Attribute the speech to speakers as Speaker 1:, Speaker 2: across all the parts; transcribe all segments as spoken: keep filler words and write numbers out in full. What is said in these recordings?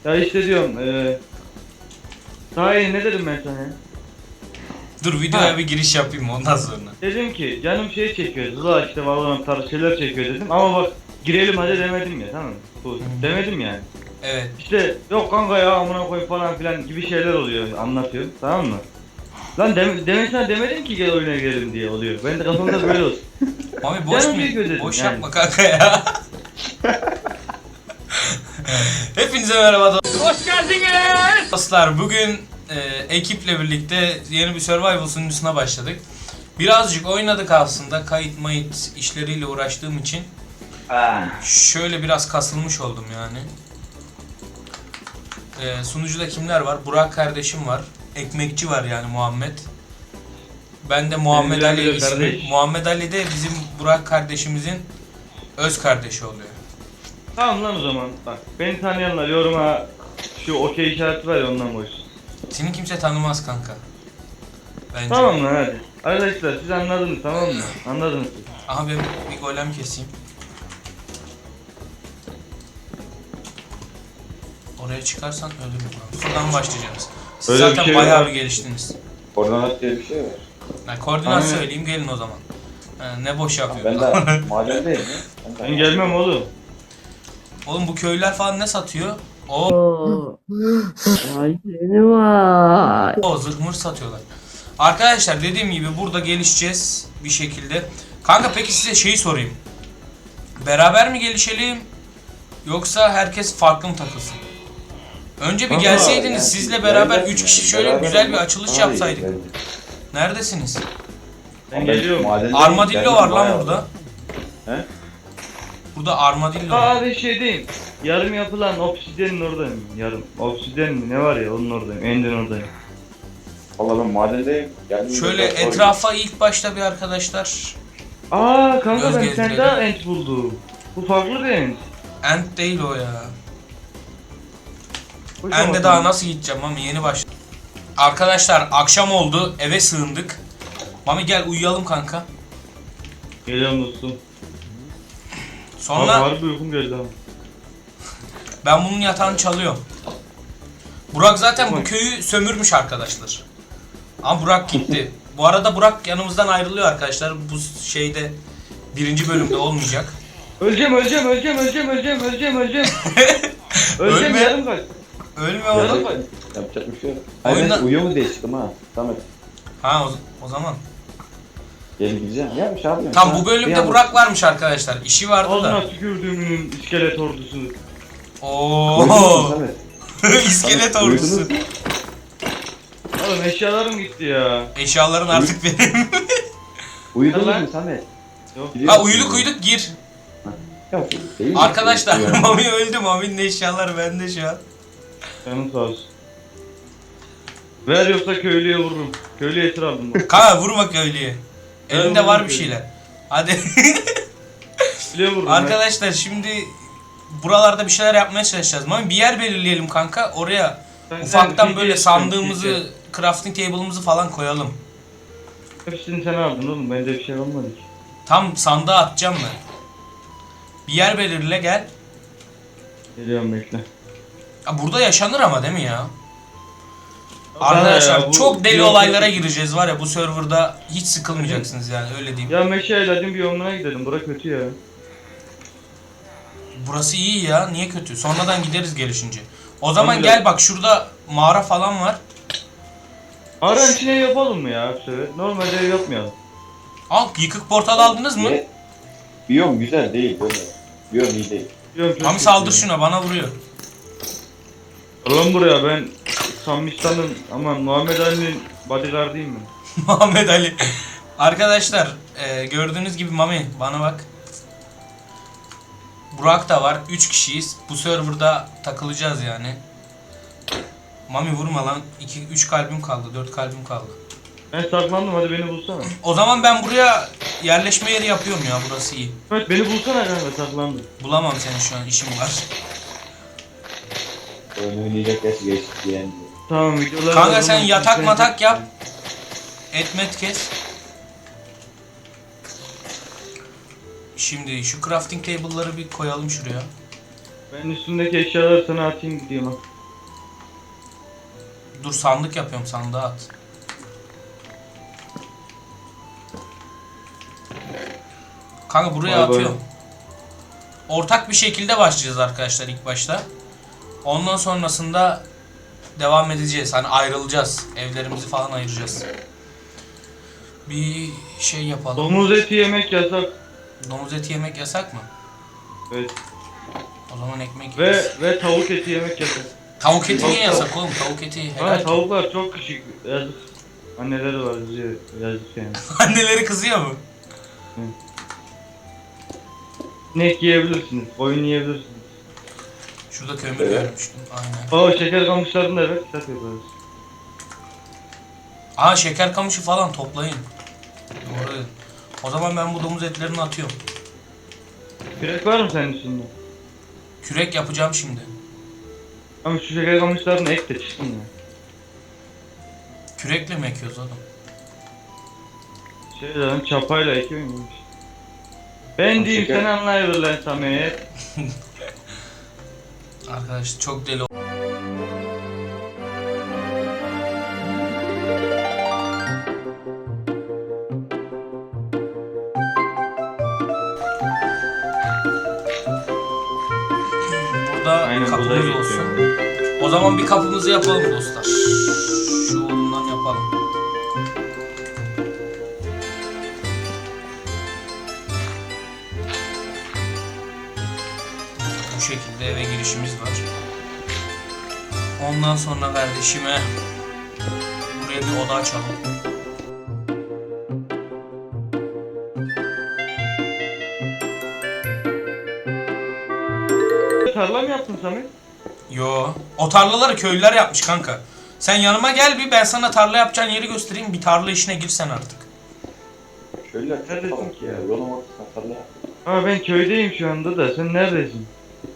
Speaker 1: Ya işte diyorum eee daha iyi ne dedim ben sana ya?
Speaker 2: Dur videoya
Speaker 1: Ha.
Speaker 2: bir giriş yapayım ondan sonra.
Speaker 1: Dedim ki canım şey çekiyor, Zula işte Valorant tarzı şeyler çekiyor dedim ama bak girelim hadi demedim ya, tamam mı? Bu demedim yani.
Speaker 2: Evet.
Speaker 1: İşte yok kanka ya amına koy falan filan gibi şeyler oluyor, anlatıyor, tamam mı? Lan dem demesine demedim ki gel oyuna girelim diye oluyor. Ben de kafamda böyle olsun.
Speaker 2: Mami boş
Speaker 1: Canım
Speaker 2: mu?
Speaker 1: çekiyor dedim
Speaker 2: Boş
Speaker 1: yani.
Speaker 2: yapma kanka ya. Hepinize merhaba
Speaker 3: Hoş geldiniz.
Speaker 2: dostlar. Bugün e, ekiple birlikte yeni bir survival sunucusuna başladık. Birazcık oynadık aslında. Kayıt mayıt işleriyle uğraştığım için. Şöyle biraz kasılmış oldum yani. E, sunucuda kimler var? Burak kardeşim var. Ekmekçi var yani Muhammed. Ben de Muhammed
Speaker 1: Benim
Speaker 2: Ali
Speaker 1: de
Speaker 2: ismi.
Speaker 1: kardeş.
Speaker 2: Muhammed Ali de bizim Burak kardeşimizin öz kardeşi oluyor.
Speaker 1: Tamam lan o zaman bak beni tanıyanlar yoruma şu okey işareti var ya ondan koy.
Speaker 2: Seni kimse tanımaz kanka. Bence.
Speaker 1: Tamam lan hadi. Arkadaşlar siz anladınız, tamam mı? Anladınız.
Speaker 2: Aha ben bir golem keseyim. Oraya çıkarsan ölürüm. Şuradan başlayacağız. Siz
Speaker 1: Öyle bir
Speaker 2: zaten
Speaker 1: şey
Speaker 2: bayağı
Speaker 1: var.
Speaker 2: bir geliştiniz.
Speaker 4: Koordinat diye bir şey var.
Speaker 2: Yani koordinat
Speaker 1: Aynen.
Speaker 2: söyleyeyim gelin o zaman. Ha, ne boş
Speaker 4: Ben
Speaker 2: yapıyorsun.
Speaker 4: de mahallendeyim ya. Ben de-
Speaker 1: Ben gelmem oğlum.
Speaker 2: Oğlum bu köylüler falan ne satıyor? O
Speaker 3: Vay seni vay.
Speaker 2: o zırhmır satıyorlar. Arkadaşlar dediğim gibi burada gelişeceğiz bir şekilde. Kanka peki size şeyi sorayım. Beraber mi gelişelim? Yoksa herkes farklı mı takılsın? Önce bir
Speaker 1: Kanka,
Speaker 2: gelseydiniz
Speaker 4: Yani
Speaker 2: sizle beraber
Speaker 4: beraber
Speaker 2: üç
Speaker 4: mi?
Speaker 2: kişi şöyle
Speaker 4: Beraber
Speaker 2: güzel bir
Speaker 4: olmak
Speaker 2: açılış
Speaker 4: daha iyi
Speaker 2: yapsaydık.
Speaker 4: bence.
Speaker 2: Neredesiniz?
Speaker 1: Ben
Speaker 4: Ben
Speaker 1: geliyorum.
Speaker 4: mahallendeyim,
Speaker 2: Armadillo
Speaker 4: geldim
Speaker 2: var lan
Speaker 4: bayağı.
Speaker 2: burada.
Speaker 4: He?
Speaker 2: Burada armadillo var.
Speaker 1: Aa ben şeydeyim. Yarım yapılan obsidyenin oradayım. Yarım. Obsidyen mi ne var ya onun oradayım. Enden oradayım.
Speaker 4: Valla ben mahallendeyim. Geldim
Speaker 2: Şöyle
Speaker 4: biraz sonra-
Speaker 2: etrafa ilk başta bir arkadaşlar.
Speaker 1: Aa kanka
Speaker 2: Göz
Speaker 1: ben
Speaker 2: gezdirelim.
Speaker 1: sen daha ent buldum. Bu farklı bir ent.
Speaker 2: End değil o ya.
Speaker 1: Hoş
Speaker 2: End'e
Speaker 1: ama
Speaker 2: daha
Speaker 1: sen-
Speaker 2: nasıl gideceğim Mami, yeni başladım. Arkadaşlar akşam oldu, eve sığındık. Mami gel uyuyalım kanka.
Speaker 1: Geliyorum dostum. Abi
Speaker 2: Sonra
Speaker 1: harbi uykum geldi ama.
Speaker 2: ben bunun yatağını çalıyorum. Burak zaten bu
Speaker 1: Tamam.
Speaker 2: köyü sömürmüş arkadaşlar. Ama Burak gitti. Bu arada Burak yanımızdan ayrılıyor arkadaşlar. Bu şeyde birinci bölümde olmayacak.
Speaker 1: Öleceğim öleceğim öleceğim öleceğim öleceğim öleceğim öleceğim. öleceğim
Speaker 2: Ölme.
Speaker 1: yarım kaç.
Speaker 2: Ölme
Speaker 1: Yarım
Speaker 2: oğlum.
Speaker 1: kaç.
Speaker 4: Yapacak bir şey yok. Hayır
Speaker 2: Oyunda-
Speaker 4: ben uyuyor mu diye çıktım ha. Samet.
Speaker 2: Ha o, o zaman.
Speaker 4: Gel gideceğim. Ya bir şey yapmıyorum.
Speaker 2: Tam
Speaker 4: Ha,
Speaker 2: bu bölümde
Speaker 4: bir an-
Speaker 2: Burak varmış arkadaşlar. İşi vardı da.
Speaker 1: Ağzına tükürdüğümün iskelet ordusu.
Speaker 4: Uyudunuz mu
Speaker 2: Oo.
Speaker 4: Samet?
Speaker 2: İskelet
Speaker 4: Samet,
Speaker 2: ordusu.
Speaker 4: uyudunuz mu?
Speaker 1: Oğlum eşyalarım gitti ya.
Speaker 2: Eşyaların artık benim.
Speaker 4: Uyudunuz
Speaker 1: Lan.
Speaker 4: mu Samet?
Speaker 1: Yok.
Speaker 4: Gidiyor
Speaker 2: Ha
Speaker 4: musun?
Speaker 2: uyuduk uyuduk gir.
Speaker 4: Ya, değil mi?
Speaker 2: Arkadaşlar
Speaker 4: Uyuyor.
Speaker 2: Mami öldü. Mami'nin eşyaları bende şu an.
Speaker 1: Canım sağ olsun. Ver yoksa köylüye vururum. Köylüye esir aldım bak.
Speaker 2: Kanka vurma köylüye. Elinde
Speaker 1: Ben
Speaker 2: var
Speaker 1: vururum
Speaker 2: bir
Speaker 1: köylüye.
Speaker 2: şeyler. Hadi.
Speaker 1: Köylüye vururum.
Speaker 2: Arkadaşlar şimdi buralarda bir şeyler yapmaya çalışacağız. Mami bir yer belirleyelim kanka. Oraya
Speaker 1: ben.
Speaker 2: ufaktan
Speaker 1: Ben
Speaker 2: böyle
Speaker 1: P C
Speaker 2: sandığımızı, crafting table'ımızı falan koyalım.
Speaker 1: Hepsini sen aldın oğlum. Bende bir şey olmadı ki.
Speaker 2: Tam sandığa atacağım ben. Bir yer belirle gel.
Speaker 1: Geliyorum bekle.
Speaker 2: Ya burada yaşanır ama değil mi ya? Arkadaşlar
Speaker 1: Ya, bu-
Speaker 2: çok deli
Speaker 1: bir-
Speaker 2: olaylara gireceğiz var ya, bu serverda hiç sıkılmayacaksınız yani, öyle diyeyim.
Speaker 1: Ya Meşe Eladin bir yoluna gidelim. Bura kötü ya.
Speaker 2: Burası iyi ya, niye kötü? Sonradan gideriz gelişince. O zaman
Speaker 1: Tamam,
Speaker 2: gel bak, şurada mağara falan var.
Speaker 1: Aran içine ev yapalım mı ya? Bu sefer? Normalde ev yapmayalım.
Speaker 2: Al, yıkık portal aldınız mı?
Speaker 4: Ne? Biyom güzel değil böyle. Biyom iyi değil.
Speaker 1: Biliyorum, çok
Speaker 2: Mami
Speaker 1: kötü
Speaker 2: saldır
Speaker 1: ya.
Speaker 2: şuna, bana vuruyor.
Speaker 1: Lan buraya ben Samistan'ın aman Muhammed Ali'nin bodyguardıyım ben.
Speaker 2: Muhammed Ali. Arkadaşlar e, gördüğünüz gibi Mami bana bak. Burak da var. üç kişiyiz. Bu serverda takılacağız yani. Mami vurma lan. iki üç kalbim kaldı. dört kalbim kaldı.
Speaker 1: Ben saklandım, hadi beni bulsana.
Speaker 2: O zaman ben buraya yerleşme yeri yapıyorum ya, burası iyi.
Speaker 1: Evet beni bulsana kanka, saklandım.
Speaker 2: Bulamam seni şu an, işim var.
Speaker 4: Oyun oynayacak yaş geçti yani.
Speaker 1: Tamam videolar.
Speaker 2: Kanka sen yatak matak yap. Etmet kes. Şimdi şu crafting table'ları bir koyalım şuraya.
Speaker 1: Ben üstündeki eşyaları sana atayım gideyim ha.
Speaker 2: Dur sandık yapıyorum, sandığa at. Kanka buraya
Speaker 1: Vay vay.
Speaker 2: atıyorum. Ortak bir şekilde başlayacağız arkadaşlar ilk başta. Ondan sonrasında devam edeceğiz. Hani ayrılacağız. Evlerimizi falan ayıracağız. Bir şey yapalım.
Speaker 1: Domuz eti yemek yasak.
Speaker 2: Domuz eti yemek yasak mı?
Speaker 1: Evet.
Speaker 2: O zaman ekmek
Speaker 1: Ve
Speaker 2: yeriz.
Speaker 1: ve tavuk eti yemek yasak.
Speaker 2: Tavuk eti niye
Speaker 1: Tavuk-
Speaker 2: yasak oğlum? Tavuk eti
Speaker 1: Ha,
Speaker 2: helal.
Speaker 1: tavuklar çok küçük. Yazık. Anneleri var yazıyor. Yazık yani.
Speaker 2: Anneleri kızıyor mu?
Speaker 1: İnek yiyebilirsiniz. Koyun yiyebilirsiniz.
Speaker 2: Şurada kömür
Speaker 4: Evet.
Speaker 2: görmüştüm. Aynen.
Speaker 1: O şeker kamışlarını da evet kitap yaparız.
Speaker 2: Aa şeker kamışı falan toplayın. Doğru. O zaman ben bu domuz etlerini atıyorum.
Speaker 1: Kürek var mı senin üstünde?
Speaker 2: Kürek yapacağım şimdi.
Speaker 1: Ama şu şeker kamışlarını ek de çıksın ya.
Speaker 2: Kürekle mi ekiyoruz oğlum?
Speaker 1: Şey lan çapayla ekiyor muymuş? Ben
Speaker 4: Ama
Speaker 1: diyeyim
Speaker 4: şeker-
Speaker 1: sen anlayıver lan Samet.
Speaker 2: Arkadaş çok deli. Burada
Speaker 1: Aynen, bu da
Speaker 2: kapımız
Speaker 1: geçiyor.
Speaker 2: olsun. O zaman bir kapımızı yapalım dostlar. Şu olundan yapalım. Bu şekilde eve girişimiz var. Ondan sonra kardeşime buraya bir oda açalım.
Speaker 1: Tarla mı yaptın Samet?
Speaker 2: Yo, o tarlaları köylüler yapmış kanka. Sen yanıma gel bir, ben sana tarla yapacağın yeri göstereyim. Bir tarla işine girsen artık.
Speaker 4: Şöyle
Speaker 1: Neredesin
Speaker 4: tamam
Speaker 1: ki ya?
Speaker 4: Yolun ortasına tarla.
Speaker 1: Ha ben köydeyim şu anda da sen neredesin?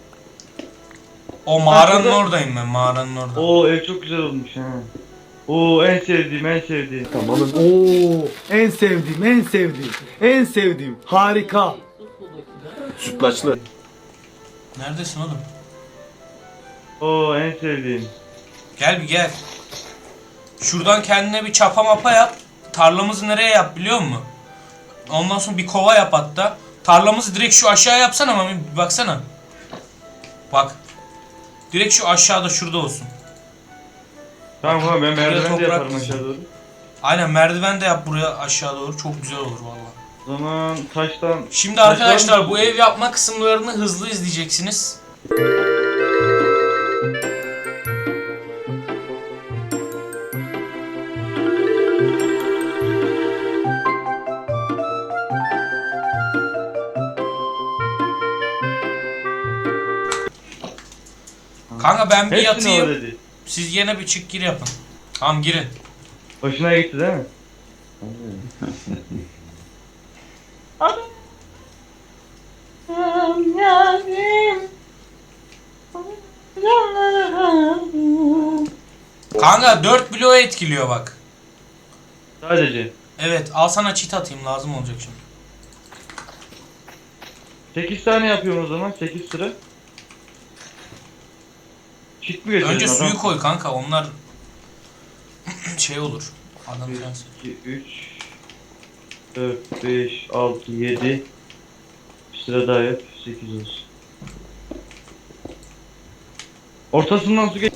Speaker 2: O mağaranın
Speaker 1: şurada-
Speaker 2: oradayım ben, mağaranın orada.
Speaker 1: Oo ev çok güzel olmuş ha. Oo en sevdiğim en sevdiğim.
Speaker 5: Oo, en sevdiğim, en sevdiğim, en sevdiğim. Harika.
Speaker 6: Sütlaçlı.
Speaker 2: Neredesin oğlum?
Speaker 1: Oo en sevdiğim.
Speaker 2: Gel bir gel. Şuradan kendine bir çapa mapa yap. Tarlamızı nereye yap biliyor musun? Ondan sonra bir kova yap hatta. Tarlamızı direkt şu aşağı yapsana ama bir baksana. Bak. Direkt şu aşağıda şurada olsun.
Speaker 1: Tamam tamam ben
Speaker 2: Buraya
Speaker 1: merdiven de
Speaker 2: toprak
Speaker 1: yaparım
Speaker 2: dizeceğim.
Speaker 1: aşağı doğru.
Speaker 2: Aynen merdiven de yap buraya aşağı doğru. Çok güzel olur vallahi.
Speaker 1: O zaman taştan...
Speaker 2: Şimdi
Speaker 1: taştan-
Speaker 2: arkadaşlar bu ev yapma kısımlarını hızlı izleyeceksiniz. Kanka ben bir
Speaker 1: Hepsini
Speaker 2: yatayım.
Speaker 1: o dedi.
Speaker 2: Siz yine bir çık gir yapın. Tamam girin.
Speaker 1: Hoşuna gitti değil mi?
Speaker 2: Kanka dört bloğu etkiliyor bak.
Speaker 1: Sadece.
Speaker 2: Evet al sana çit atayım lazım olacak şimdi.
Speaker 1: sekiz tane yapıyorum o zaman sekiz sıra. Çit mi getirdin
Speaker 2: Önce
Speaker 1: adam?
Speaker 2: suyu koy kanka onlar şey olur. Adam
Speaker 1: bir,
Speaker 2: sensin.
Speaker 1: iki, üç, dört, beş, altı, yedi. Bir sıra daha yap. sekiz olsun. Ortasından su geç.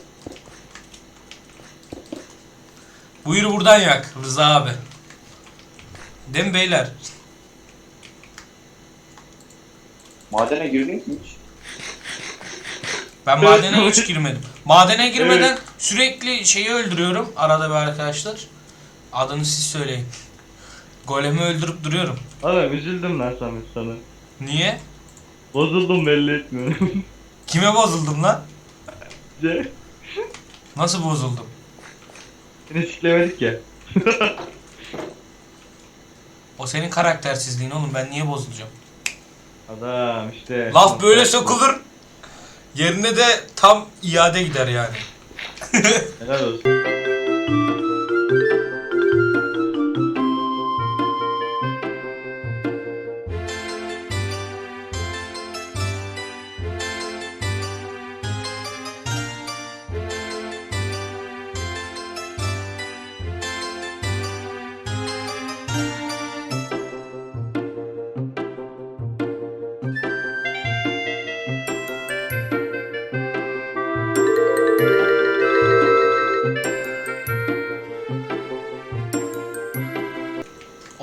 Speaker 2: Buyur buradan yak Rıza abi. Değil mi beyler?
Speaker 4: Madene girdin mi hiç?
Speaker 2: Ben
Speaker 1: Evet,
Speaker 2: madene hiç
Speaker 1: evet.
Speaker 2: girmedim. Madene girmeden
Speaker 1: Evet.
Speaker 2: sürekli şeyi öldürüyorum arada bir arkadaşlar. Adını siz söyleyin. Golemi öldürüp duruyorum.
Speaker 1: Adam üzüldüm lan Samet sana.
Speaker 2: Niye?
Speaker 1: Bozuldum belli etmiyorum.
Speaker 2: Kime bozuldum lan?
Speaker 1: Ce-
Speaker 2: Nasıl bozuldum?
Speaker 1: Seni siklemedik ya.
Speaker 2: O senin karaktersizliğin oğlum, ben niye bozulacağım?
Speaker 1: Adam işte.
Speaker 2: Laf böyle sokulur. Yerine de tam iade gider yani.
Speaker 1: Helal olsun.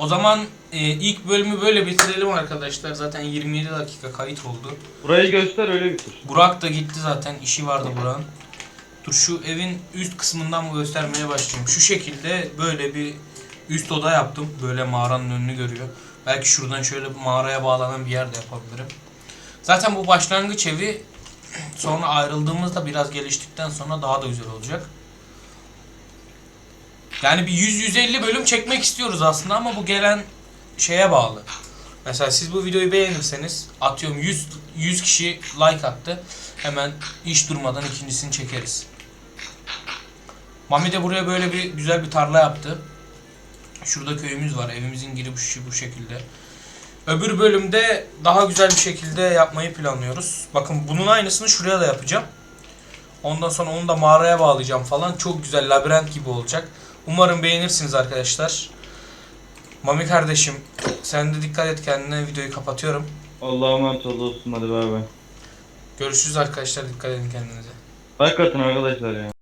Speaker 2: zaman e, ilk bölümü böyle bitirelim arkadaşlar. Zaten yirmi yedi dakika kayıt oldu.
Speaker 1: Burayı göster öyle bitir.
Speaker 2: Burak da gitti zaten. İşi vardı Burak'ın. Dur şu evin üst kısmından mı göstermeye başlayayım. Şu şekilde böyle bir üst oda yaptım. Böyle mağaranın önünü görüyor. Belki şuradan şöyle mağaraya bağlanan bir yer de yapabilirim. Zaten bu başlangıç evi sonra ayrıldığımızda biraz geliştikten sonra daha da güzel olacak. Yani bir yüz yüz elli bölüm çekmek istiyoruz aslında ama bu gelen şeye bağlı. Mesela siz bu videoyu beğenirseniz atıyorum yüz yüz kişi like attı. Hemen hiç durmadan ikincisini çekeriz. Mami de buraya böyle bir güzel bir tarla yaptı. Şurada köyümüz var. Evimizin girişi bu şekilde. Öbür bölümde daha güzel bir şekilde yapmayı planlıyoruz. Bakın bunun aynısını şuraya da yapacağım. Ondan sonra onu da mağaraya bağlayacağım falan. Çok güzel labirent gibi olacak. Umarım beğenirsiniz arkadaşlar. Mami kardeşim sen de dikkat et kendine, videoyu kapatıyorum.
Speaker 1: Allah'a emanet olsun, hadi bay bay.
Speaker 2: Görüşürüz arkadaşlar, dikkat edin kendinize.
Speaker 1: Like atın arkadaşlar ya.